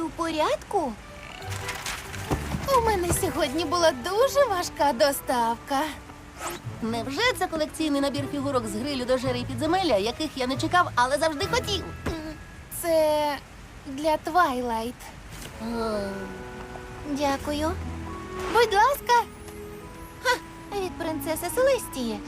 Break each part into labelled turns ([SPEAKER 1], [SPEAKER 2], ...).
[SPEAKER 1] у порядку? У мене сьогодні була дуже важка доставка.
[SPEAKER 2] Невже це колекційний набір фігурок з грилю до жери і підземелля, яких я не чекав, але завжди хотів?
[SPEAKER 1] Це для Твайлайт. Дякую. Будь ласка. Ха, від принцеси Селестії.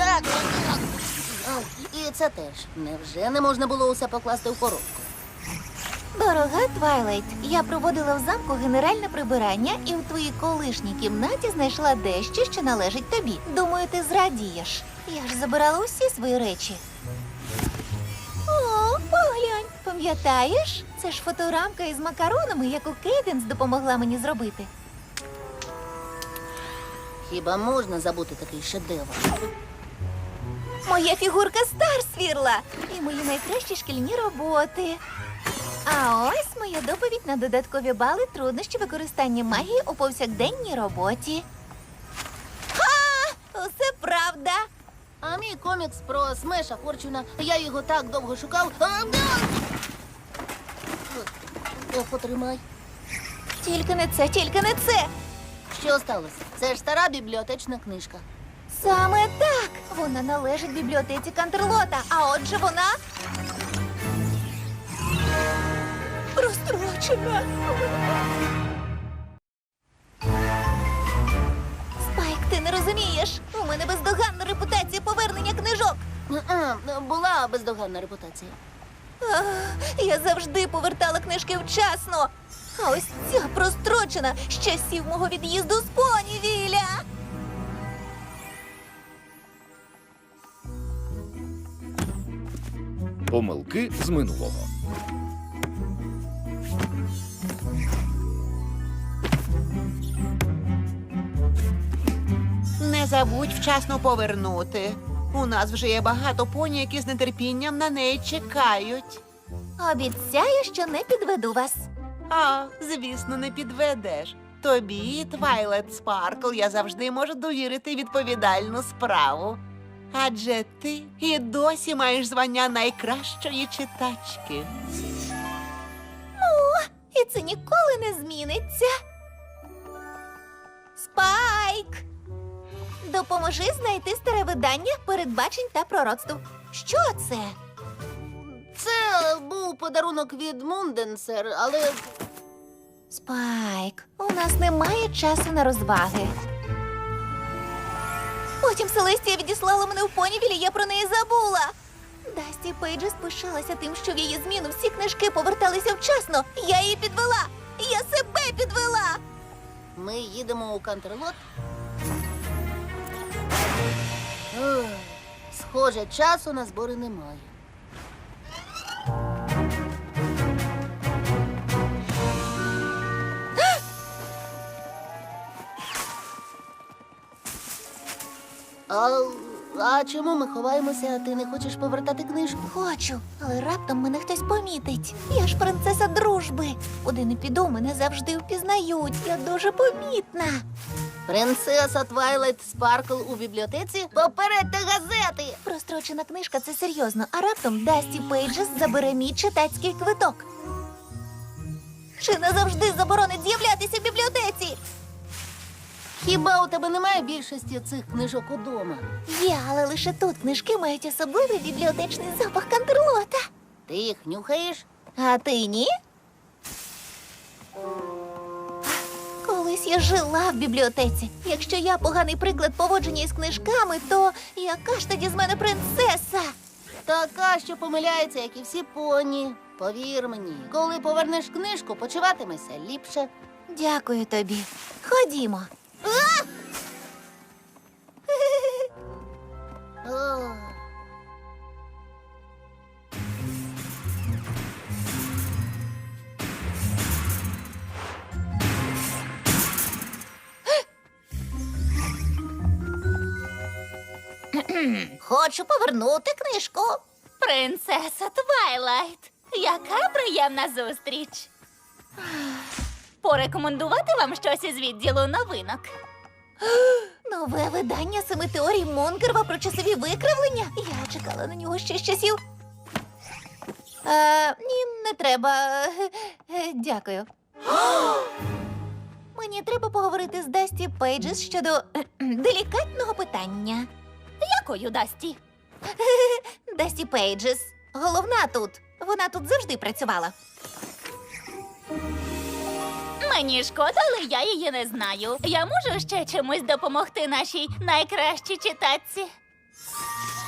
[SPEAKER 2] І це теж. Невже не можна було усе покласти в коробку?
[SPEAKER 1] Дорога Твайлайт, я проводила в замку генеральне прибирання і в твоїй колишній кімнаті знайшла дещо, що належить тобі. Думаю, ти зрадієш. Я ж забирала усі свої речі. О, поглянь, пам'ятаєш? Це ж фоторамка із макаронами, яку Кейденс допомогла мені зробити.
[SPEAKER 2] Хіба можна забути такий шедевр?
[SPEAKER 1] Моя фігурка Старсвірла і мої найкращі шкільні роботи. А ось моя доповідь на додаткові бали труднощі використання магії у повсякденній роботі. Ха! Усе правда.
[SPEAKER 2] А мій комікс про Смеша Форчуна, я його так довго шукав. Потримай.
[SPEAKER 1] Тільки не це, тільки не це.
[SPEAKER 2] Що сталося? Це ж стара бібліотечна книжка.
[SPEAKER 1] Саме так. Вона належить бібліотеці Кантерлота, а отже вона розстрочена. Спайк, ти не розумієш. У мене бездоганна репутація повернення книжок.
[SPEAKER 2] Була бездоганна репутація.
[SPEAKER 1] Я завжди повертала книжки вчасно. А ось ця прострочена з часів мого від'їзду з Понівіля.
[SPEAKER 3] Помилки з минулого.
[SPEAKER 4] Не забудь вчасно повернути. У нас вже є багато поні, які з нетерпінням на неї чекають.
[SPEAKER 1] Обіцяю, що не підведу вас.
[SPEAKER 4] А, звісно, не підведеш. Тобі, Твайлайт Спаркл, я завжди можу довірити відповідальну справу. Адже ти і досі маєш звання найкращої читачки.
[SPEAKER 1] І це ніколи не зміниться. Спайк! Допоможи знайти старе видання передбачень та пророцтв. Що це?
[SPEAKER 2] Це був подарунок від Мунденсер, але
[SPEAKER 1] Спайк, у нас немає часу на розваги. Потім Селестія відіслала мене в Понівіль, і я про неї забула. Дасті Пейджес пишалася тим, що в її зміну всі книжки поверталися вчасно. Я її підвела. Я себе підвела.
[SPEAKER 2] ми їдемо у Кантерлот. Ух, схоже, часу на збори немає. А чому ми ховаємося, а ти не хочеш повертати книжку?
[SPEAKER 1] Хочу, але раптом мене хтось помітить. Я ж принцеса дружби. Куди не піду, мене завжди впізнають. Я дуже помітна.
[SPEAKER 2] Принцеса Твайлайт Спаркл у бібліотеці? Попередьте газети!
[SPEAKER 1] Прострочена книжка – це серйозно, а раптом Дасті Пейджес забере мій читацький квиток. Чи назавжди заборонить з'являтися в бібліотеці?
[SPEAKER 2] Хіба у тебе немає більшості цих книжок удома?
[SPEAKER 1] Є, але лише тут книжки мають особливий бібліотечний запах Кантерлота.
[SPEAKER 2] Ти їх нюхаєш?
[SPEAKER 1] А ти ні? Колись я жила в бібліотеці. Якщо я поганий приклад поводження із книжками, то яка ж тоді з мене принцеса?
[SPEAKER 2] Така, що помиляється, як і всі поні. Повір мені, коли повернеш книжку, почуватимешся ліпше.
[SPEAKER 1] Дякую тобі. Ходімо.
[SPEAKER 2] Ох.
[SPEAKER 1] Хочу повернути книжку.
[SPEAKER 5] Принцеса Твайлайт, яка приємна зустріч. Порекомендувати вам щось із відділу новинок?
[SPEAKER 1] Нове видання 7 теорій Монкерва про часові викривлення. Я чекала на нього ще з часів. Ні, не Не треба. Дякую. Мені треба поговорити з Дасті Пейджес щодо делікатного питання.
[SPEAKER 5] Якою, Дасті?
[SPEAKER 1] Дасті Пейджес. Головна тут. Вона тут завжди працювала.
[SPEAKER 5] Мені шкода, але я її не знаю. Я можу ще чимось допомогти нашій найкращій читачці?